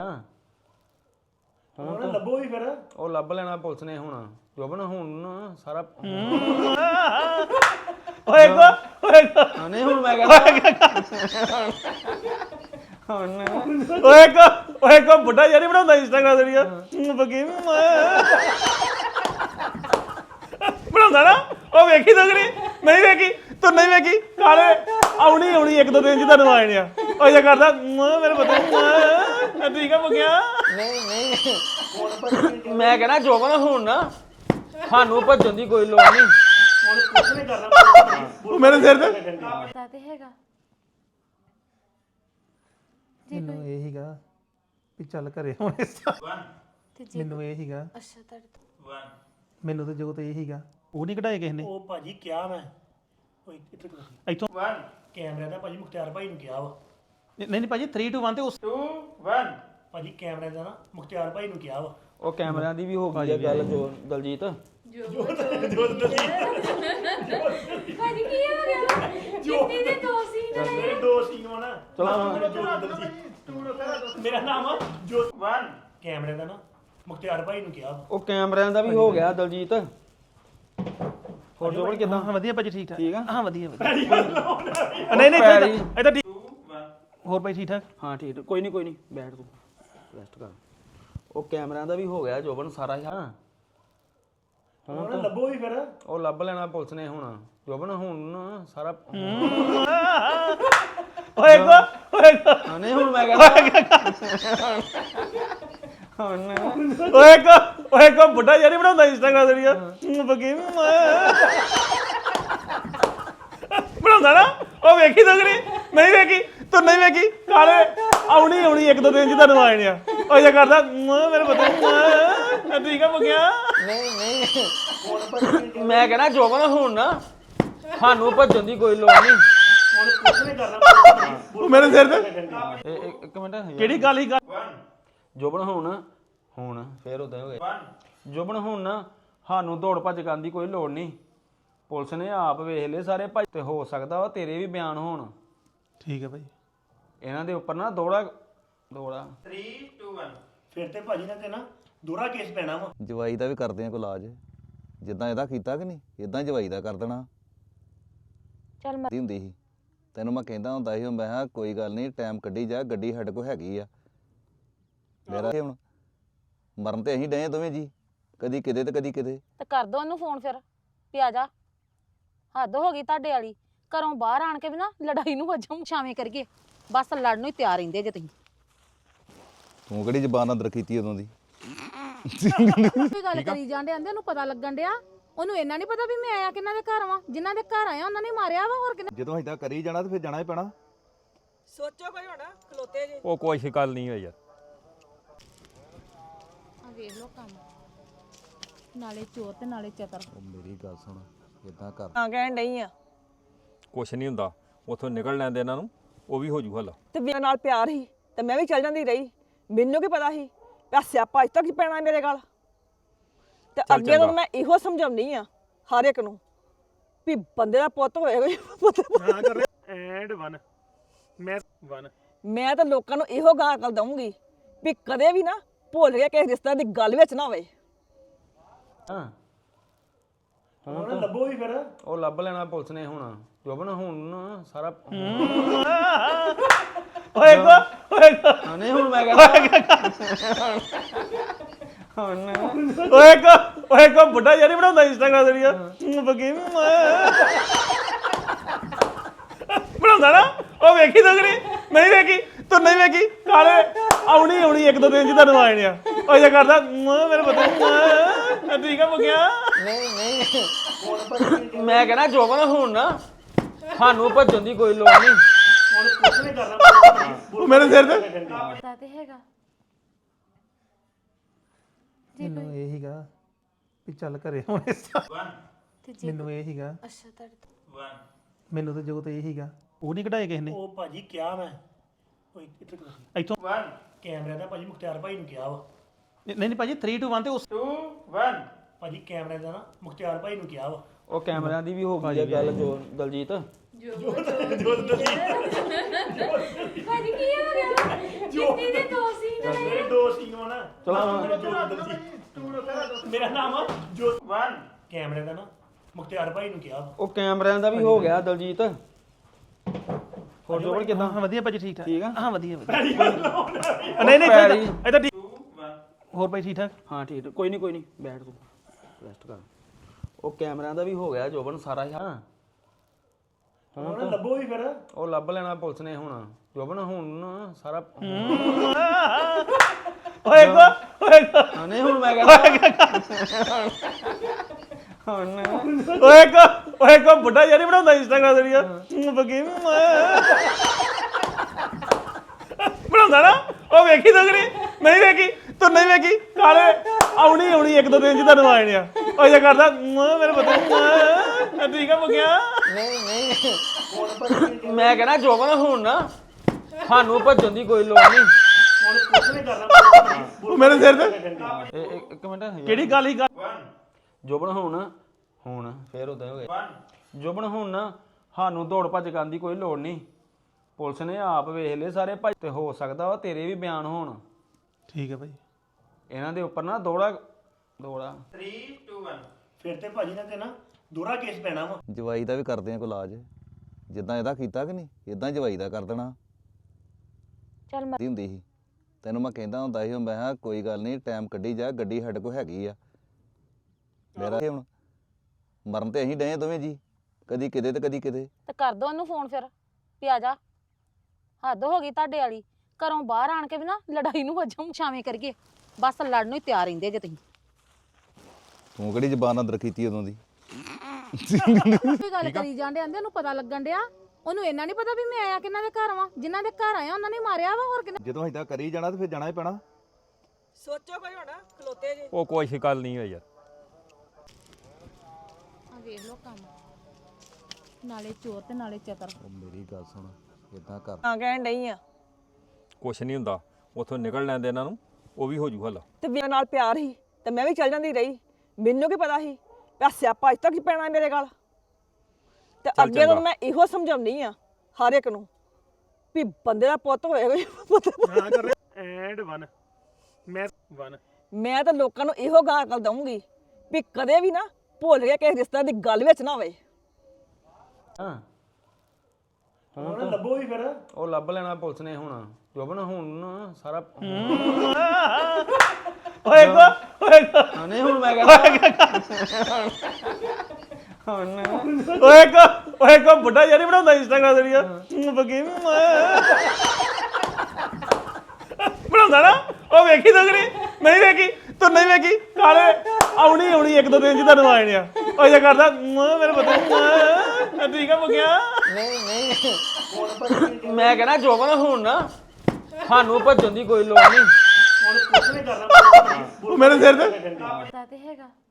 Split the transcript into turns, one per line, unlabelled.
ਹੁਣ ਲੱਭੋ ਵੀ ਫਿਰ
ਉਹ ਲੱਭ ਲੈਣਾ ਪੁਲਿਸ ਨੇ ਹੁਣ ਜੋਬਨ ਹੁਣ ਸਾਰਾ ਨਹੀਂ ਹੁਣ ਮੈਂ ਕਹਿੰਦਾ
ਓਏ ਕੋ ਬੁੱਢਾ ਯਾਰੀ ਬਣਾਉਂਦਾ ਇੰਸਟਾਗ੍ਰਾਮ ਤੇ ਯਾਰ ਬਗੀ ਬਣਾਉਂਦਾ ਨਾ ਉਹ ਵੇਖੀ ਤਗੜੀ ਨਹੀਂ ਵੇਖੀ ਤੂੰ ਨਹੀਂ ਵੇਖੀ ਕਾਲੇ ਆਉਣੀ ਇੱਕ ਦੋ ਦਿਨ ਚ ਤੁਹਾਨੂੰ ਆਏ ਨੇ ਆ ਉਹ ਜੇ ਕਰਦਾ ਮੇਰੇ ਪਤਾ ਠੀਕ ਆ ਬਗਿਆ
ਨਹੀਂ ਮੈਂ ਕਹਿੰਦਾ ਜੋਬਨ ਹੁਣ ਨਾ ਸਾਨੂੰ ਭੱਜਣ ਦੀ ਕੋਈ ਲੋੜ ਨਹੀਂ
ਹੁਣ ਕੁਝ ਨਹੀਂ ਕਰਨਾ ਮੇਰੇ ਸਿਰ ਤੇ
ਪਤਾ ਤੇ ਹੈਗਾ
ਮੈਨੂੰ ਇਹ ਹੀਗਾ ਵੀ ਚੱਲ ਘਰੇ ਹੁਣ
ਤੇ ਜੀ
ਮੈਨੂੰ ਇਹ ਹੀਗਾ
ਅੱਛਾ ਤੁਹਾਡੇ ਤੋਂ
ਮੈਨੂੰ ਤਾਂ ਜੋ ਤੇ ਇਹ ਹੀਗਾ ਉਹ ਨਹੀਂ ਕਢਾਏ ਕਿਸੇ ਨੇ
ਉਹ ਭਾਜੀ ਕਿਹਾ ਮੈਂ ਓਏ ਇੱਥੇ
ਇੱਥੋਂ
ਕੈਮਰਾ ਦਾ ਭਾਜੀ ਮੁਖਤਿਆਰ ਭਾਈ ਨੂੰ ਕਿਹਾ ਵਾ
ਨਹੀਂ ਭਾਜੀ 3 2 1 ਤੇ ਉਸ
ਭਾਜੀ ਕੈਮਰੇ ਦਾ ਨਾ ਮੁਖਤਿਆਰ ਭਾਈ ਨੂੰ ਕਿਹਾ ਵਾ
ਉਹ ਕੈਮਰਿਆਂ ਦੀ ਵੀ ਹੋ ਗਈ ਆ ਗੱਲ ਜੋ ਦਲਜੀਤ
ਭਾਜੀ ਕੀ ਹੋ ਗਿਆ ਜਿੱਤੀ ਦੇ ਦੋ ਸੀ
ਮੇਰੇ ਦੋ ਸੀਨ ਵਾ ਨਾ
ਚਲੋ
ਮੇਰਾ ਨਾਮ ਆ ਜੋਤ ਕੈਮਰੇ ਦਾ ਨਾ ਮੁਖਤਿਆਰ ਭਾਈ ਨੂੰ ਕਿਹਾ ਵਾ
ਉਹ ਕੈਮਰਿਆਂ ਦਾ ਵੀ ਹੋ ਗਿਆ ਦਲਜੀਤ ਹੋਰ ਜੋਬਨ ਕਿਦਾਂ
ਹਾਂ ਵਧੀਆ ਭਾਜੀ ਠੀਕ ਠਾਕ
ਠੀਕ ਆ
ਹਾਂ ਵਧੀਆ
ਨਹੀਂ
ਇਹ ਤਾਂ ਹੋਰ ਭਾਈ ਠੀਕ ਠਾਕ
ਹਾਂ ਠੀਕ ਕੋਈ ਨਹੀਂ ਬੈਠ ਤੂੰ ਰੈਸਟ ਕਰ ਉਹ ਕੈਮਰਿਆਂ ਦਾ ਵੀ ਹੋ ਗਿਆ ਜੋਬਨ ਸਾਰਾ ਹੀ ਹਾਂ
ਹੁਣ ਲੱਭੋ ਵੀ ਫਿਰ
ਉਹ ਲੱਭ ਲੈਣਾ ਪੁਲਿਸ ਨੇ ਹੁਣ ਜੋਬਨ ਹੁਣ ਸਾਰਾ ਨਹੀਂ ਹੁਣ ਮੈਂ ਕਹਿੰਦਾ
ਓਏ ਕੋ ਬੁੱਢਾ ਯਾਰੀ ਬਣਾਉਂਦਾ ਇੰਸਟਾਗ੍ਰਾਮ ਤੇ ਯਾਰ ਬਗੀ ਬਣਾਉਂਦਾ ਨਾ ਉਹ ਵੇਖੀ ਤਗੜੀ ਨਹੀਂ ਵੇਖੀ ਤੂੰ ਨਹੀਂ ਵੇਖੀ ਕਾਲੇ ਆਉਣੀ ਇੱਕ ਦੋ ਦਿਨ ਚ ਤੁਹਾਨੂੰ ਆਏ ਨੇ ਆ ਉਹ ਜੇ ਕਰਦਾ ਮੇਰੇ ਪਤਾ ਠੀਕ ਆ ਬਗਿਆ
ਨਹੀਂ ਮੈਂ ਕਹਿੰਦਾ ਜੋਬਨ ਹੁਣ ਨਾ ਸਾਨੂੰ ਭੱਜਣ ਦੀ ਕੋਈ ਲੋੜ ਨਹੀਂ
ਹੁਣ ਕੁਝ ਨਹੀਂ ਕਰਨਾ ਮੇਰੇ ਸਿਰ ਤੇ
ਇੱਕ ਮਿੰਟ
ਕਿਹੜੀ ਗੱਲ ਹੀ
ਜੋਬਨ ਹੁਣ ਫੇਰ ਉਦਾਂ ਹੋ ਗਿਆ ਜੋਬਨ ਹੁਣ ਨਾ ਸਾਨੂੰ ਦੌੜ ਭੱਜ ਕਰਨ ਦੀ ਕੋਈ ਲੋੜ ਨਹੀਂ ਪੁਲਿਸ ਨੇ ਆਪ ਵੇਖ ਲਏ ਸਾਰੇ ਭੱਜ ਤੇ ਹੋ ਸਕਦਾ ਵਾ ਤੇਰੇ ਵੀ ਬਿਆਨ ਹੋਣ
ਠੀਕ ਹੈ ਭਾਈ
ਇਹਨਾਂ ਦੇ ਉੱਪਰ ਨਾ ਦੌੜਾ
3 2 1 ਫਿਰ ਤੇ ਭਾਜੀ ਨੇ ਤੇ ਨਾ ਦੋਹਰਾ ਕੇਸ ਪੈਣਾ ਵਾ
ਜਵਾਈ ਦਾ ਵੀ ਕਰਦੇ ਆ ਕੋਈ ਇਲਾਜ ਜਿੱਦਾਂ ਇਹਦਾ ਕੀਤਾ ਕਿ ਨਹੀਂ ਇਦਾਂ ਜਵਾਈ ਦਾ ਕਰ ਦੇਣਾ
ਚੱਲ ਮੈਂ
ਹੁੰਦੀ ਸੀ ਤੈਨੂੰ ਮੈਂ ਕਹਿੰਦਾ ਹੁੰਦਾ ਸੀ ਮੈਂ ਕਿਹਾ ਕੋਈ ਗੱਲ ਨਹੀਂ ਟਾਈਮ ਕੱਢੀ ਜਾ ਗੱਡੀ ਸਾਡੇ ਕੋਲ ਹੈਗੀ ਆ ਮੇਰਾ ਹੁਣ ਮਰਨ ਤੇ ਅਸੀਂ ਡਏ ਦੋਵੇਂ ਜੀ ਕਦੀ ਕਿਤੇ ਤੇ ਕਦੀ ਕਿਤੇ
ਤੇ ਕਰ ਦੋ ਉਹਨੂੰ ਫੋਨ ਫਿਰ ਵੀ ਆ ਜਾ ਹੱਦ ਹੋ ਗਈ ਤੁਹਾਡੇ ਵਾਲੀ ਘਰੋਂ ਬਾਹਰ ਆਣ ਕੇ ਵੀ ਨਾ ਲੜਾਈ ਨੂੰ ਵਜੋਂ ਛਾਵੇਂ ਕਰੀਏ ਬਸ ਲੜਨ ਨੂੰ ਹੀ ਤਿਆਰ ਰਹਿੰਦੇ ਜੇ ਤੁਸੀਂ
ਤੂੰ ਕਿਹੜੀ ਜ਼ਬਾਨ ਅੰਦਰ ਕੀਤੀ ਉਦੋਂ ਦੀ
ਕੋਈ ਗੱਲ ਕਰੀ ਜਾਂਦੇ ਆਂਦੇ ਉਹਨੂੰ ਪਤਾ ਲੱਗਣ ਡਿਆ ਉਹਨੂੰ ਇੰਨਾ ਨਹੀਂ ਪਤਾ ਵੀ ਮੈਂ ਆਇਆ ਕਿਹਨਾਂ ਦੇ ਘਰ ਵਾਂ ਜਿਨ੍ਹਾਂ ਦੇ ਘਰ ਆਇਆ ਉਹਨਾਂ ਨੇ ਮਾਰਿਆ ਵਾ ਹੋਰ ਕਿੰਨਾ
ਜਦੋਂ ਇਦਾਂ ਕਰੀ ਜਾਣਾ ਤੇ ਫਿਰ ਜਾਣਾ ਹੀ ਪੈਣਾ
ਸੋਚੋ ਕੋਈ ਹੋਣਾ ਖਲੋਤੇ ਜੇ
ਉਹ ਕੋਈ ਗੱਲ ਨਹੀਂ ਹੋਈ ਯਾਰ
ਆ ਵੇਖ ਲੋ ਕੰਮ ਨਾਲੇ ਚੋਰ ਤੇ ਨਾਲੇ ਚਤਰ
ਉਹ ਮੇਰੀ ਗੱਲ ਸੁਣ ਇਦਾਂ ਕਰ
ਤਾਂ ਕਹਿਣ ਡਈ ਆ
ਕੁਛ ਨਹੀਂ ਹੁੰਦਾ ਉੱਥੋਂ ਨਿਕਲ ਲੈਂਦੇ ਇਹਨਾਂ ਨੂੰ ਉਹ ਵੀ ਹੋ ਜੂ ਹੱਲ
ਤੇ ਮੇਰੇ ਨਾਲ ਪਿਆਰ ਸੀ ਤੇ ਮੈਂ ਵੀ ਚੱਲ ਜਾਂਦੀ ਰਹੀ ਮੈਨੂੰ ਕੀ ਪਤਾ ਸੀ ਪਿਆ ਸਿਆਪਾ ਅੱਜ ਤੱਕ ਹੀ ਪੈਣਾ ਮੇਰੇ ਗੱਲ ਤੇ ਅੱਗੇ ਤੋਂ ਮੈਂ ਇਹੋ ਸਮਝਾਉਣੀ ਆ ਹਰ ਇੱਕ ਨੂੰ ਵੀ ਬੰਦੇ ਦਾ ਪੁੱਤ ਹੋਏਗਾ
ਐਂਡ 1 ਮੈਂ 1
ਮੈਂ ਤਾਂ ਲੋਕਾਂ ਨੂੰ ਇਹੋ ਗਾਂ ਅਕਲ ਦਊਂਗੀ ਵੀ ਕਦੇ ਵੀ ਨਾ ਭੁੱਲ ਕੇ ਕਿਸੇ ਰਿਸ਼ਤੇ ਦੀ ਗੱਲ ਵਿੱਚ ਨਾ ਹੋਵੇ
ਹੁਣ ਲੱਭੋ ਵੀ ਫਿਰ
ਉਹ ਲੱਭ ਲੈਣਾ ਪੁਲਿਸ ਨੇ ਹੁਣ ਜੋਬਨ ਹੁਣ ਸਾਰਾ ਨਹੀਂ ਹੁਣ ਮੈਂ ਕਹਿੰਦਾ
ਓਏ ਕੋ ਬੁੱਢਾ ਯਾਰੀ ਬਣਾਉਂਦਾ ਇੰਸਟਾਗ੍ਰਾਮ ਤੇ ਯਾਰ ਬਗੀ ਬਣਾਉਂਦਾ ਨਾ ਉਹ ਵੇਖੀ ਤਗੜੀ ਨਹੀਂ ਵੇਖੀ ਤੂੰ ਨਹੀਂ ਵੇਖੀ ਕਾਲੇ ਆਉਣੀ ਇੱਕ ਦੋ ਦਿਨ ਚ ਤੁਹਾਨੂੰ ਆਏ ਨੇ ਆ ਉਹ ਜੇ ਕਰਦਾ ਮੇਰੇ ਪਤਾ ਠੀਕ ਆ ਬਗਿਆ
ਨਹੀਂ ਮੈਂ ਕਹਿੰਦਾ ਜੋਬਨ ਹੁਣ ਨਾ ਸਾਨੂੰ ਭੱਜਣ ਦੀ ਕੋਈ ਲੋੜ ਨਹੀਂ
ਹੁਣ ਕੁਝ ਨਹੀਂ ਕਰਨਾ ਮੇਰੇ ਸਿਰ ਤੇ
ਪਤਾ ਤੇ ਹੈਗਾ
ਮੈਨੂੰ ਇਹ ਹੀਗਾ ਵੀ ਚੱਲ ਘਰੇ ਹੁਣ
ਤੇ ਜੀ
ਮੈਨੂੰ ਇਹ ਹੀਗਾ
ਅੱਛਾ ਤੁਹਾਡੇ ਤੋਂ
ਮੈਨੂੰ ਤਾਂ ਜੋ ਤੇ ਇਹ ਹੀਗਾ ਉਹ ਨਹੀਂ ਕਢਾਏ ਕਿਸੇ ਨੇ
ਉਹ ਭਾਜੀ ਕਿਹਾ ਮੈਂ ਓਏ ਇੱਥੇ
ਇੱਥੋਂ
ਕੈਮਰਾ ਦਾ ਭਾਜੀ ਮੁਖਤਿਆਰ ਭਾਈ ਨੂੰ ਕਿਹਾ ਵਾ
ਨਹੀਂ ਭਾਜੀ 3 2 1 ਤੇ ਉਸ
ਭਾਜੀ ਕੈਮਰੇ ਦਾ ਨਾ ਮੁਖਤਿਆਰ ਭਾਈ ਨੂੰ ਕਿਹਾ ਵਾ
ਉਹ ਕੈਮਰਿਆਂ ਦੀ ਵੀ ਹੋ ਗਈ ਆ ਗੱਲ ਜੋ ਦਲਜੀਤ
ਭਾਜੀ ਕੀ ਹੋ ਗਿਆ ਜਿੱਤੀ ਦੇ ਦੋ ਸੀ
ਮੇਰੇ ਦੋ ਸੀ ਹੋਣਾ ਮੇਰਾ ਨਾਮ ਆ ਜੋਤਵਨ ਕੈਮਰੇ ਦਾ ਨਾ ਮੁਖਤਿਆਰ ਭਾਈ ਨੂੰ ਕਿਹਾ
ਉਹ ਕੈਮਰਿਆਂ ਦਾ ਵੀ ਹੋ ਗਿਆ ਦਲਜੀਤ ਹੋਰ ਜੋਬਨ ਕਿਦਾਂ
ਹਾਂ ਵਧੀਆ ਭਾਜੀ ਠੀਕ ਠਾਕ
ਠੀਕ ਆ
ਹਾਂ ਵਧੀਆ
ਨਹੀਂ ਨਹੀਂ
ਪੈਰੀ।
ਇਹ ਤਾਂ ਠੀਕ
ਹੋਰ ਭਾਈ ਠੀਕ ਠਾਕ
ਹਾਂ ਠੀਕ ਕੋਈ ਨਹੀਂ ਬੈਠ ਤੂੰ ਰੈਸਟ ਕਰ ਉਹ ਕੈਮਰਿਆਂ ਦਾ ਵੀ ਹੋ ਗਿਆ ਜੋਬਨ ਸਾਰਾ ਹੀ ਹਾਂ
ਹੁਣ ਲੱਭੋ ਵੀ ਫਿਰ
ਉਹ ਲੱਭ ਲੈਣਾ ਪੁਲਿਸ ਨੇ ਹੁਣ ਜੋਬਨ ਹੁਣ ਨਾ ਸਾਰਾ
ਓਏ ਕੋ
ਹਾਂ, ਨਹੀਂ ਹੁਣ ਮੈਂ ਕਹਿੰਦਾ ਹੁਣ
ਓਏ ਕੋ ਬੁੱਢਾ ਯਾਰੀ ਬਣਾਉਂਦਾ ਇੰਸਟਾਗ੍ਰਾਮ ਤੇ ਰੀਆ ਬਗੀ ਬਣਾਉਂਦਾ ਨਾ ਉਹ ਵੇਖੀ ਤਗੜੀ ਨਹੀਂ ਵੇਖੀ ਤੂੰ ਨਹੀਂ ਵੇਖੀ ਕਾਲੇ ਆਉਣੀ ਇੱਕ ਦੋ ਦਿਨ ਚ ਤੁਹਾਨੂੰ ਆਏ ਨੇ ਆ ਉਹ ਜੇ ਕਰਦਾ ਮੇਰੇ ਪਤਾ ਠੀਕ ਆ ਬਗਿਆ
ਨਹੀਂ ਮੈਂ ਕਹਿੰਦਾ ਜੋਬਨ ਹੁਣ ਨਾ ਸਾਨੂੰ ਭੱਜਣ ਦੀ ਕੋਈ ਲੋੜ ਨਹੀਂ
ਉਹ ਮੇਰੇ ਸਿਰ ਤੇ
ਇੱਕ ਮਿੰਟ
ਕਿਹੜੀ ਗੱਲ ਹੀ
ਜੋਬਨ ਹੁਣ ਫੇਰ ਉਦਾਂ ਹੋ ਗਿਆ ਜੋਬਨ ਹੁਣ ਨਾ ਸਾਨੂੰ ਦੌੜ ਭੱਜ ਕਰਨ ਦੀ ਕੋਈ ਲੋੜ ਨਹੀਂ ਪੁਲਿਸ ਨੇ ਆਪ ਵੇਖ ਲਏ ਸਾਰੇ ਭੱਜ ਤੇ ਹੋ ਸਕਦਾ ਵਾ ਤੇਰੇ ਵੀ ਬਿਆਨ ਹੋਣ
ਠੀਕ ਹੈ ਭਾਈ
ਇਹਨਾਂ ਦੇ ਉੱਪਰ ਨਾ ਦੌੜਾ
3 2 1 ਫਿਰ ਤੇ ਭਾਜੀ ਨੇ ਤੇ ਨਾ ਦੋਹਰਾ ਕੇਸ ਪੈਣਾ ਵਾ
ਜਵਾਈ ਦਾ ਵੀ ਕਰਦੇ ਆ ਕੋਈ ਇਲਾਜ ਜਿੱਦਾਂ ਇਹਦਾ ਕੀਤਾ ਕਿ ਨਹੀਂ ਇਦਾਂ ਜਵਾਈ ਦਾ ਕਰ ਦੇਣਾ
ਚੱਲ ਮੈਂ
ਹੁੰਦੀ ਸੀ ਤੈਨੂੰ ਮੈਂ ਕਹਿੰਦਾ ਹੁੰਦਾ ਸੀ ਮੈਂ ਕਿਹਾ ਕੋਈ ਗੱਲ ਨਹੀਂ ਟਾਈਮ ਕੱਢੀ ਜਾ ਗੱਡੀ ਸਾਡੇ ਕੋਲ ਹੈਗੀ ਆ ਮੇਰਾ ਹੁਣ ਮਰਨ ਤੇ ਅਸੀਂ ਡਏ ਦੋਵੇਂ ਜੀ ਕਦੀ ਕਿਤੇ ਤੇ ਕਦੀ ਕਿਤੇ
ਤੇ ਕਰ ਦੋ ਉਹਨੂੰ ਫੋਨ ਫਿਰ ਵੀ ਆ ਜਾ ਹੱਦ ਹੋ ਗਈ ਤੁਹਾਡੇ ਵਾਲੀ ਘਰੋਂ ਬਾਹਰ ਆਣ ਕੇ ਵੀ ਨਾ ਲੜਾਈ ਨੂੰ ਵਜੋਂ ਛਾਵੇਂ ਕਰੀਏ ਬਸ ਲੜਨ ਨੂੰ ਹੀ ਤਿਆਰ ਰਹਿੰਦੇ ਜੇ ਤੁਸੀਂ
ਤੂੰ ਕਿਹੜੀ ਜ਼ਬਾਨ ਅੰਦਰ ਕੀਤੀ ਉਦੋਂ ਦੀ
ਕੋਈ ਗੱਲ ਕਰੀ ਜਾਂਦੇ ਆਂਦੇ ਉਹਨੂੰ ਪਤਾ ਲੱਗਣ ਡਿਆ ਉਹਨੂੰ ਇੰਨਾ ਨਹੀਂ ਪਤਾ ਵੀ ਮੈਂ ਆਇਆ ਕਿਹਨਾਂ ਦੇ ਘਰ ਵਾਂ ਜਿਨ੍ਹਾਂ ਦੇ ਘਰ ਆਇਆ ਉਹਨਾਂ ਨੇ ਮਾਰਿਆ ਵਾ ਹੋਰ ਕਿੰਨਾ
ਜਦੋਂ ਅਸੀਂ ਤਾਂ ਕਰੀ ਜਾਣਾ ਤੇ ਫਿਰ ਜਾਣਾ ਹੀ ਪੈਣਾ
ਸੋਚੋ ਕੋਈ ਹੋਣਾ ਖਲੋਤੇ ਜੇ
ਉਹ ਕੋਈ ਗੱਲ ਨਹੀਂ ਹੋਈ ਯਾਰ
ਆ ਵੇਖ ਲੋ ਕੰਮ ਨਾਲੇ ਚੋਰ ਤੇ ਨਾਲੇ ਚਤਰ
ਉਹ ਮੇਰੀ ਗੱਲ ਸੁਣ ਇਦਾਂ ਕਰ
ਹਾਂ ਕਹਿਣ ਡਈ ਆ
ਕੁਛ ਨਹੀਂ ਹੁੰਦਾ ਉਥੋਂ ਨਿਕਲ ਲੈਂਦੇ ਇਹਨਾਂ ਨੂੰ ਉਹ ਵੀ ਹੋ ਜੂ ਹੱਲ
ਤੇ ਮੇਰੇ ਨਾਲ ਪਿਆਰ ਸੀ ਤੇ ਮੈਂ ਵੀ ਚੱਲ ਜਾਂਦੀ ਰਹੀ ਮੈਨੂੰ ਕੀ ਪਤਾ ਸੀ ਪਿਆ ਸਿਆਪਾ ਅੱਜ ਤੱਕ ਹੀ ਪੈਣਾ ਮੇਰੇ ਗੱਲ ਤੇ ਅੱਗੇ ਤੋਂ ਮੈਂ ਇਹੋ ਸਮਝਾਉਣੀ ਆ ਹਰ ਇੱਕ ਨੂੰ ਵੀ ਬੰਦੇ ਦਾ ਪੁੱਤ ਹੋਏ
ਹਾਂ ਕਰ ਰਿਹਾ ਐਂਡ 1 ਮੈਂ 1
ਮੈਂ ਤਾਂ ਲੋਕਾਂ ਨੂੰ ਇਹੋ ਗਾਂ ਅਕਲ ਦਊਂਗੀ ਵੀ ਕਦੇ ਵੀ ਨਾ ਭੁੱਲ ਕੇ ਕਿਸੇ ਰਿਸ਼ਤੇ ਦੀ ਗੱਲ ਵਿੱਚ ਨਾ ਹੋਵੇ
ਹਾਂ
ਹੁਣ ਲੱਭੋ ਵੀ ਫਿਰ
ਉਹ ਲੱਭ ਲੈਣਾ ਪੁਲਿਸ ਨੇ ਹੁਣ ਜੋਬਨ ਹੁਣ ਨਾ ਸਾਰਾ
ਓਏ ਕੋ
ਹਾਂ, ਨਹੀਂ ਹੁਣ ਮੈਂ ਕਹਿੰਦਾ ਹੁਣ
ਓਏ ਕੋ ਬੁੱਢਾ ਯਾਰੀ ਬਣਾਉਂਦਾ ਇੰਸਟਾਗ੍ਰਾਮ ਤੇ ਰੀਆ ਬਗੀ ਬਣਾਉਂਦਾ ਨਾ ਉਹ ਵੇਖੀ ਤਗੜੀ ਨਹੀਂ ਵੇਖੀ ਤੂੰ ਨਹੀਂ ਵੇਖੀ ਕਾਲੇ ਆਉਣੀ ਇੱਕ ਦੋ ਦਿਨ ਚ ਤੁਹਾਨੂੰ ਆਏ ਨੇ ਆ ਉਹ ਜੇ ਕਰਦਾ ਮੇਰੇ ਪਤਾ ਠੀਕ ਆ ਬਗਿਆ
ਨਹੀਂ ਮੈਂ ਕਹਿੰਦਾ ਜੋਬਨ ਹੁਣ ਨਾ ਸਾਨੂੰ ਭੱਜਣ ਦੀ ਕੋਈ ਲੋੜ ਨਹੀਂ
ਉਹ ਮੇਰੇ ਸਿਰ ਤੇ
ਪਤਾ ਤੇ ਹੈਗਾ